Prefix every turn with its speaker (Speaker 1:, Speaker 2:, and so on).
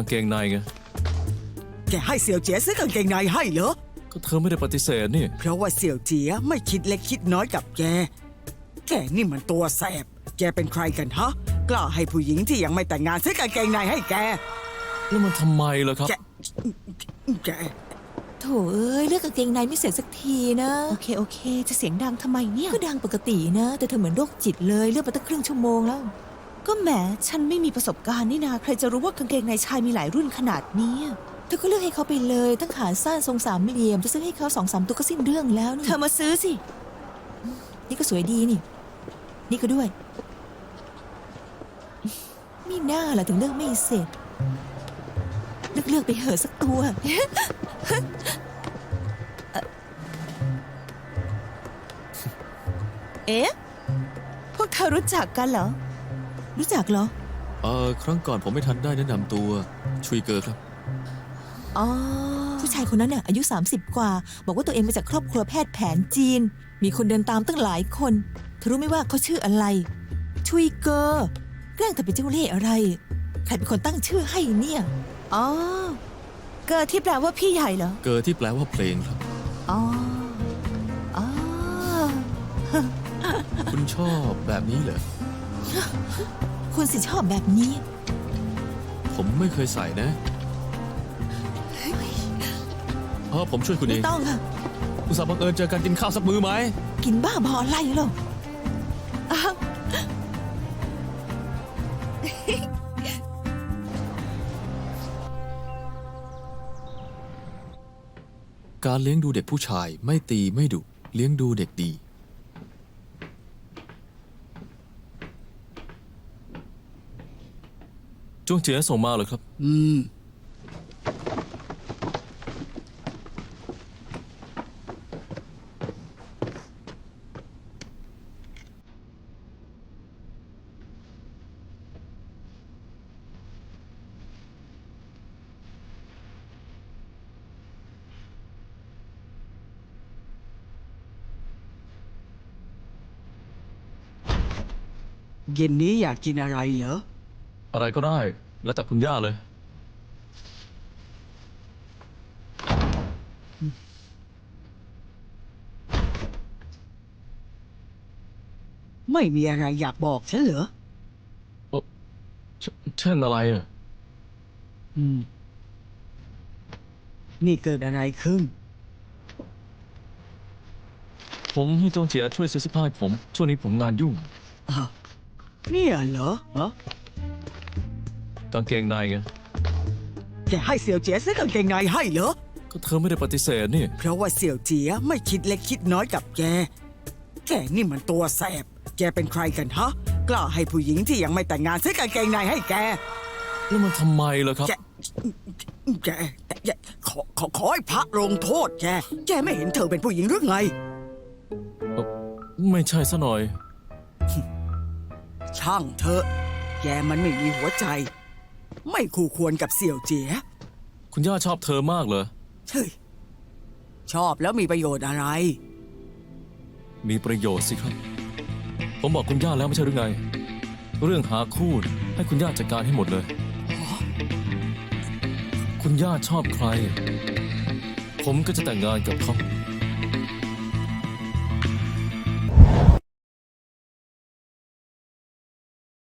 Speaker 1: างเกงในไง
Speaker 2: แกให้เสี่ยวเจี๋ยซื้อกางเกงในให้เหรอ
Speaker 1: ก็เธอไม่ได้ปฏิเสธนี่
Speaker 2: เพราะว่าเสี่ยวเจี๋ยไม่คิดเล็กคิดน้อยกับแกนี่มันตัวแสบแกเป็นใครกันฮะกล้าให้ผู้หญิงที่ยังไม่แต่งงานซื้อกางเกงในให้แก
Speaker 1: แล้วมันทำไมล่ะครับ
Speaker 2: แก
Speaker 3: โถเอ้ยเลือกกางเกงในไม่เสร็จสักทีนะ
Speaker 4: โอเคจะเสียงดังทำไมเนี่ย
Speaker 3: ก็ดังปกตินะแต่เธอเหมือนโรคจิตเลยเลือกมาตั้งครึ่งชั่วโมงแล้ว
Speaker 4: ก็แหมฉันไม่มีประสบการณ์นี่นาใครจะรู้ว่ากางเกงในชายมีหลายรุ่นขนาดนี้
Speaker 3: เธอก็เลือกให้เขาไปเลยตั้งขาสั้นทรงสามเหลี่ยมจะซื้อให้เขา2-3ตัวก็สิ้นเรื่องแล้วนี่
Speaker 4: เธอมาซื้อสิ
Speaker 3: นี่ก็สวยดีนี่ก็ด้วยมีหน้าล่ะถึงเลือกไม่เสร็จเลือกไปเหอะสักตัว
Speaker 4: พวกเธอรู้จักกันเหรอ
Speaker 3: รู้จักเหรอ
Speaker 1: ครั้งก่อนผมไม่ทันได้แนะนำตัวชุยเกอร์ครับ
Speaker 3: อ๋อผู้ชายคนนั้นน่ะอายุ30กว่าบอกว่าตัวเองมาจากครอบครัวแพทย์แผนจีนมีคนเดินตามตั้งหลายคนเธอรู้ไหมว่าเขาชื่ออะไรชุยเกอร์แกล้งแต่เป็นเจ้าเล่ห์อะไรใครเป็นคนตั้งชื่อให้เนี่ย
Speaker 4: อ๋อเกอร์ที่แปลว่าพี่ใหญ่เหรอ
Speaker 1: เกอร์ที่แปลว่าเพลงครับ
Speaker 4: อ๋อ
Speaker 1: คุณชอบแบบนี้เหรอ
Speaker 3: คุณสิชอบแบบนี้
Speaker 1: ผมไม่เคยใส่นะผมช่วยคุณเอง
Speaker 3: ไม่ต้องค่ะ
Speaker 1: อุตส่าห์บังเอิญเจอกันกินข้าวสักมื้อไหม
Speaker 3: กินบ้าบออะไรหรอ
Speaker 1: การเลี้ยงดูเด็กผู้ชายไม่ตีไม่ดุเลี้ยงดูเด็กดีจ้วงเจ๋อส่งมาเหรอครับ
Speaker 2: เย็นนี้อยากกินอะไรเหรอ
Speaker 1: อะไรก็ได้แล้วแต่คุณย่าเลย
Speaker 2: ไม่มีอะไรอยากบอกฉันเหรอ
Speaker 1: เช่นอะไร
Speaker 2: นี่เกิดอะไรขึ้น
Speaker 1: ผมให้จ้วงเจ๋อช่วยซื้อเสื้อผ้าให้ผมช่วงนี้ผมงานยุ่ง
Speaker 2: เนี่ยเหรอ
Speaker 1: กางเกงในไง
Speaker 2: แกให้เสี่ยวเจี๋ยซื้อกางเกงในให้เหรอ
Speaker 1: ก็เธอไม่ได้ปฏิเสธนี่
Speaker 2: เพราะว่าเสี่ยวเจี๋ยไม่คิดเล็กคิดน้อยกับแกนี่มันตัวแสบแกเป็นใครกันฮะกล้าให้ผู้หญิงที่ยังไม่แต่งงานซื้อกางเกงในให้แก
Speaker 1: แล้วมันทำไมล่ะครับ
Speaker 2: แกขอให้พระลงโทษแกไม่เห็นเธอเป็นผู้หญิงหรือไง
Speaker 1: ไม่ใช่ซะหน่อย
Speaker 2: ช่างเธอแกมันไม่มีหัวใจไม่คู่ควรกับเสี่ยวเจี๋ย
Speaker 1: คุณย่าชอบเธอมากเหรอ
Speaker 2: เฮ้ยชอบแล้วมีประโยชน์อะไร
Speaker 1: มีประโยชน์สิครับผมบอกคุณย่าแล้วไม่ใช่หรือไงเรื่องหาคู่ให้คุณย่าจัดการให้หมดเลยคุณย่าชอบใครผมก็จะแต่งงานกับเขา